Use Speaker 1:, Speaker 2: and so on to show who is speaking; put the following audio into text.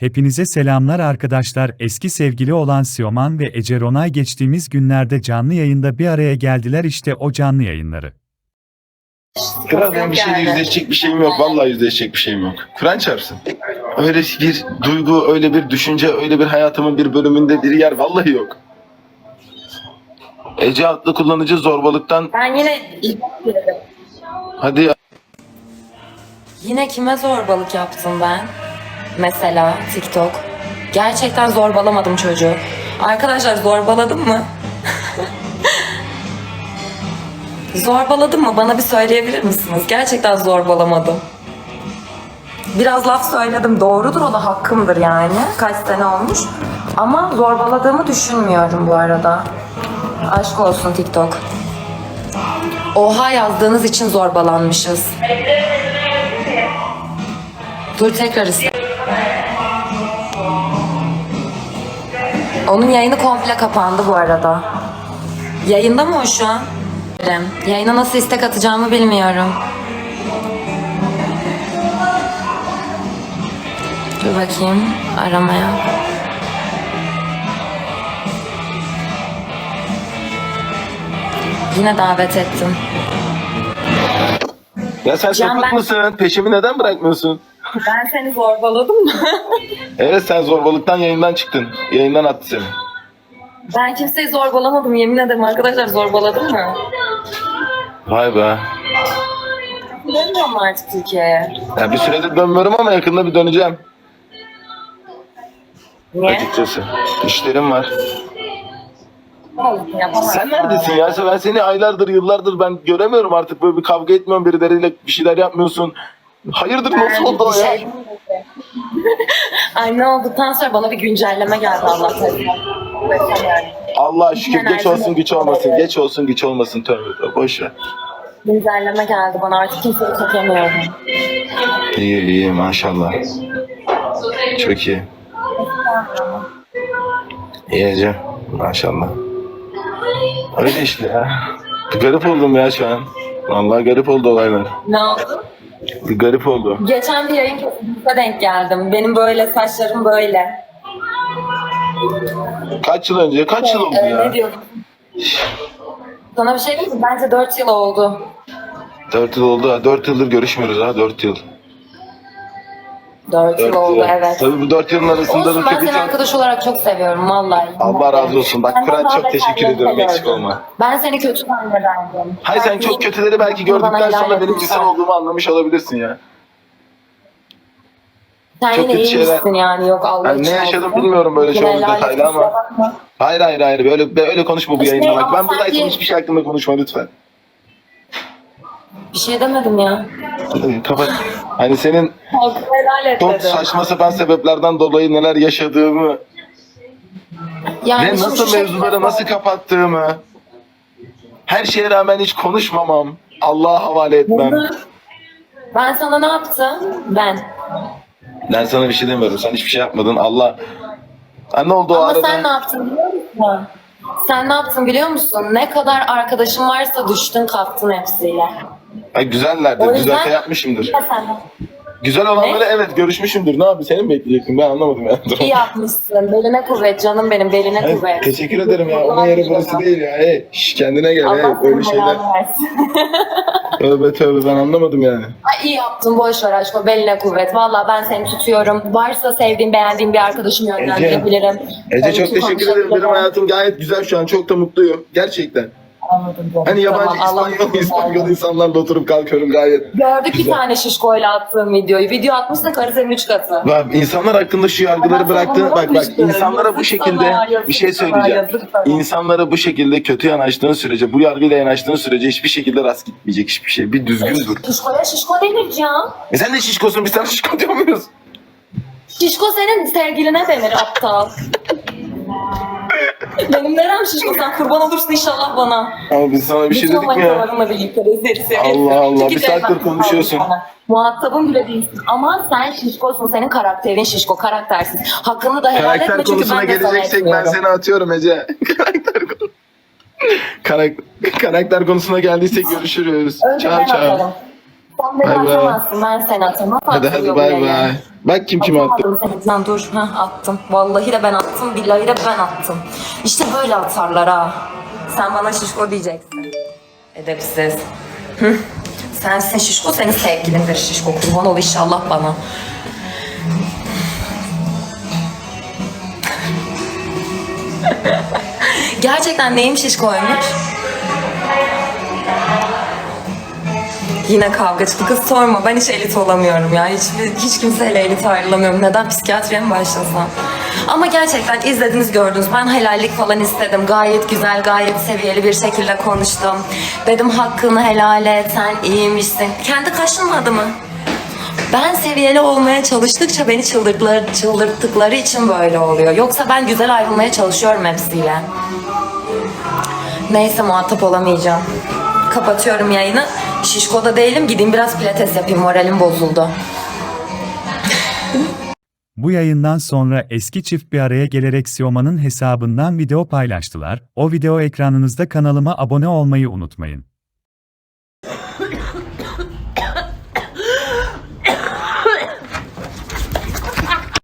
Speaker 1: Hepinize selamlar arkadaşlar. Eski sevgili olan Sioman ve Ece Ronay geçtiğimiz günlerde canlı yayında bir araya geldiler, işte o canlı yayınları.
Speaker 2: Kral benim bir şeyle yüzleşecek bir şeyim yok. Vallahi yüzleşecek bir şeyim yok. Kur'an çarpsın. Öyle bir duygu, öyle bir düşünce, öyle bir hayatımın bir bölümünde bir yer vallahi yok. Ece adlı kullanıcı zorbalıktan...
Speaker 3: Ben yine
Speaker 2: Hadi ya.
Speaker 3: Yine kime zorbalık yaptım ben? Mesela TikTok. Gerçekten zorbalamadım çocuğu. Arkadaşlar zorbaladım mı? Zorbaladım mı? Bana bir söyleyebilir misiniz? Gerçekten zorbalamadım. Biraz laf söyledim. Doğrudur, o da hakkımdır yani. Kaç sene olmuş. Ama zorbaladığımı düşünmüyorum bu arada. Aşk olsun TikTok. Oha yazdığınız için zorbalanmışız. Dur tekrar iste. Onun yayını komple kapandı bu arada. Yayında mı o şu an? Yayına nasıl istek atacağımı bilmiyorum. Dur bakayım aramaya. Yine davet ettim.
Speaker 2: Ya sen
Speaker 3: Can,
Speaker 2: sapık
Speaker 3: ben-
Speaker 2: mısın? Peşimi neden bırakmıyorsun?
Speaker 3: Ben seni zorbaladım mı?
Speaker 2: Evet, sen zorbalıktan yayından çıktın. Yayından attı seni.
Speaker 3: Ben kimseyi zorbalamadım, yemin ederim arkadaşlar, zorbaladım mı?
Speaker 2: Vay be.
Speaker 3: Dönmüyorum artık Türkiye'ye.
Speaker 2: Ya bir süredir dönmüyorum ama yakında bir döneceğim.
Speaker 3: Niye?
Speaker 2: Açıkçası. İşlerim var.
Speaker 3: Yapamazsın.
Speaker 2: Sen neredesin ya? Ben seni aylardır, yıllardır ben göremiyorum artık. Böyle bir kavga etmiyorsun, birileriyle bir şeyler yapmıyorsun. Hayırdır, nasıl oldu o ya?
Speaker 3: Ay ne olduktan sonra bana bir güncelleme geldi Allah'tan. Yani.
Speaker 2: Allah şükür, geç
Speaker 3: Enerjim
Speaker 2: olsun güç
Speaker 3: yok.
Speaker 2: olmasın. Geç olsun güç olmasın, tövbe tövbe, boş ver.
Speaker 3: Güncelleme geldi bana, artık kimseyi çekemiyorum.
Speaker 2: İyi iyi, maşallah. Çok iyi. İyi Ece, maşallah. Öyle işte ya. Garip oldum ya şu an. Vallahi garip oldu olaylar.
Speaker 3: Ne oldu?
Speaker 2: Bir garip oldu.
Speaker 3: Geçen bir yayın kesinlikle denk geldim. Benim böyle saçlarım böyle.
Speaker 2: Kaç yıl önce? Kaç yıl oldu
Speaker 3: Ne
Speaker 2: ya?
Speaker 3: diyordum? Sana bir şey diyeyim mi? Bence 4 yıl oldu.
Speaker 2: 4 yıl oldu ha. 4 yıldır görüşmüyoruz ha. 4 yıl.
Speaker 3: 4 yıl
Speaker 2: 4
Speaker 3: oldu
Speaker 2: yıl.
Speaker 3: evet.
Speaker 2: Tabii bu 4 yılın arasında
Speaker 3: Olsun,
Speaker 2: da
Speaker 3: ben
Speaker 2: tabii
Speaker 3: seni
Speaker 2: ki...
Speaker 3: arkadaş olarak çok seviyorum vallahi.
Speaker 2: Allah razı olsun. Bak
Speaker 3: Senden
Speaker 2: Kur'an
Speaker 3: daha
Speaker 2: çok teşekkür
Speaker 3: beterlerini
Speaker 2: ediyorum.
Speaker 3: de
Speaker 2: Eksik
Speaker 3: gördüm.
Speaker 2: olma.
Speaker 3: Ben seni kötü zannederdim.
Speaker 2: Hayır, sen çok kötüleri belki
Speaker 3: Bana
Speaker 2: gördükten
Speaker 3: helal
Speaker 2: sonra benim
Speaker 3: etmişler.
Speaker 2: insan olduğumu anlamış olabilirsin ya.
Speaker 3: Sen
Speaker 2: çok
Speaker 3: yine
Speaker 2: kötü şeyler-
Speaker 3: iyiymişsin yani, yok Allah
Speaker 2: Ben ne
Speaker 3: için
Speaker 2: yaşadım
Speaker 3: olsun.
Speaker 2: bilmiyorum böyle
Speaker 3: Yine
Speaker 2: çok
Speaker 3: helal et,
Speaker 2: detaylı ama.
Speaker 3: kusura bakma.
Speaker 2: Hayır böyle konuşma bu
Speaker 3: İşte
Speaker 2: yayında bak.
Speaker 3: ama
Speaker 2: Ben buradayken
Speaker 3: sanki-
Speaker 2: hiçbir şey hakkında konuşma lütfen.
Speaker 3: Bir şey demedim ya.
Speaker 2: Kapat. Hani senin
Speaker 3: Hakkını helal et
Speaker 2: çok
Speaker 3: dedim.
Speaker 2: saçma sapan sebeplerden dolayı neler yaşadığımı
Speaker 3: Yani
Speaker 2: ve
Speaker 3: şimdi
Speaker 2: nasıl
Speaker 3: şu
Speaker 2: mevzuları
Speaker 3: şekilde-
Speaker 2: nasıl kapattığımı, her şeye rağmen hiç konuşmamam, Allah'a havale etmem.
Speaker 3: Ben sana ne yaptım?
Speaker 2: Ben sana bir şey demiyorum. Sen hiçbir şey yapmadın. Allah... Ha, ne oldu o
Speaker 3: Ama
Speaker 2: arada?
Speaker 3: sen ne yaptın biliyor musun? Sen ne yaptın biliyor musun? Ne kadar arkadaşın varsa düştün kalktın hepsiyle.
Speaker 2: Ay, güzellerdir.
Speaker 3: O yüzden-
Speaker 2: Güzel şey yapmışımdır.
Speaker 3: Ya sen
Speaker 2: Güzel olanları evet görüşmüşümdür. Ne yapayım? Seni mi bekleyecektim? Ben anlamadım ya.
Speaker 3: iyi yapmışsın. Beline kuvvet canım benim, beline
Speaker 2: Evet,
Speaker 3: kuvvet.
Speaker 2: teşekkür ederim ya. Onun yeri burası değil ya. Hey, şş, kendine gel. Hey,
Speaker 3: Allah
Speaker 2: böyle
Speaker 3: sana
Speaker 2: şeyler.
Speaker 3: helal versin.
Speaker 2: Tövbe tövbe, ben anlamadım yani.
Speaker 3: Ay iyi yaptın, boş ver aşkım, beline kuvvet. Valla ben seni tutuyorum. Varsa sevdiğim, beğendiğim bir arkadaşım yönlendirebilirim.
Speaker 2: Ece çok
Speaker 3: Belki
Speaker 2: teşekkür ederim. Benim
Speaker 3: konuşabilirim.
Speaker 2: hayatım gayet güzel şu an. Çok da mutluyum. Gerçekten.
Speaker 3: Anladım canım.
Speaker 2: Hani yabancı
Speaker 3: Tamam, Allah
Speaker 2: İspanyol insanlarla oturup kalkıyorum gayet.
Speaker 3: Gördük bir
Speaker 2: güzel.
Speaker 3: tane şişkoyla attığım videoyu. Video atmışsa karı senin 3 katı.
Speaker 2: Bak, insanlar hakkında şu yargıları bıraktın. Bak insanlara bu şekilde bir şey söyleyeceğim. İnsanlara bu şekilde kötü yanaştığın sürece, bu yargıyla yanaştığın sürece hiçbir şekilde rast gitmeyecek hiçbir şey. Bir düzgün dur.
Speaker 3: Şişkoya şişko denir Can.
Speaker 2: Sen de şişkosun, biz sana şişko diyor muyuz?
Speaker 3: Şişko senin sevgiline denir aptal. Benim nerem şişko, sen kurban olursun inşallah bana.
Speaker 2: Ama biz sana bir şey
Speaker 3: Bütün
Speaker 2: dedik mi ya?
Speaker 3: manitalarınla birlikte rezil.
Speaker 2: Allah Allah,
Speaker 3: Çünkü
Speaker 2: bir saattir
Speaker 3: sevmem
Speaker 2: konuşuyorsun.
Speaker 3: sana. Muhatabın bile değilsin. Ama sen şişkosun, senin karakterin şişko, karaktersiz. Hakkını da helal
Speaker 2: Karakter
Speaker 3: etme çünkü
Speaker 2: konusuna
Speaker 3: ben de sana
Speaker 2: geleceksek ben
Speaker 3: etmiyorum.
Speaker 2: seni atıyorum Ece. Karakter konusuna geldiysek görüşürüz.
Speaker 3: Önce
Speaker 2: Çağ
Speaker 3: ben
Speaker 2: çağ.
Speaker 3: atarım. Sen beni
Speaker 2: Bay bay.
Speaker 3: atamazsın, ben seni atamam.
Speaker 2: Hadi hadi bay bay. Bak kim attı.
Speaker 3: Atamadım seni. Lan dur, attım. Vallahi de ben attım, billahi de ben attım. İşte böyle atarlar ha. Sen bana şişko diyeceksin. Edepsiz. Sensin şişko, senin sevgilindir şişko. Kurban ol inşallah bana. Gerçekten neyim şişkoymuş? Yine kavga çıktı. Kız sorma, ben hiç elit olamıyorum ya. Hiç kimseyle elit ayrılamıyorum. Neden psikiyatriye mi başlasam? Ama gerçekten izlediniz, gördünüz. Ben helallik falan istedim. Gayet güzel, gayet seviyeli bir şekilde konuştum. Dedim hakkını helal et, sen iyiymişsin. Kendi kaşınmadı mı? Ben seviyeli olmaya çalıştıkça beni çıldırttıkları için böyle oluyor. Yoksa ben güzel ayrılmaya çalışıyorum hepsiyle. Neyse, muhatap olamayacağım. Kapatıyorum yayını. Şişko'da değilim, gideyim biraz pilates yapayım, moralim bozuldu.
Speaker 1: Bu yayından sonra eski çift bir araya gelerek Sioman'ın hesabından video paylaştılar. O video ekranınızda, kanalıma abone olmayı unutmayın.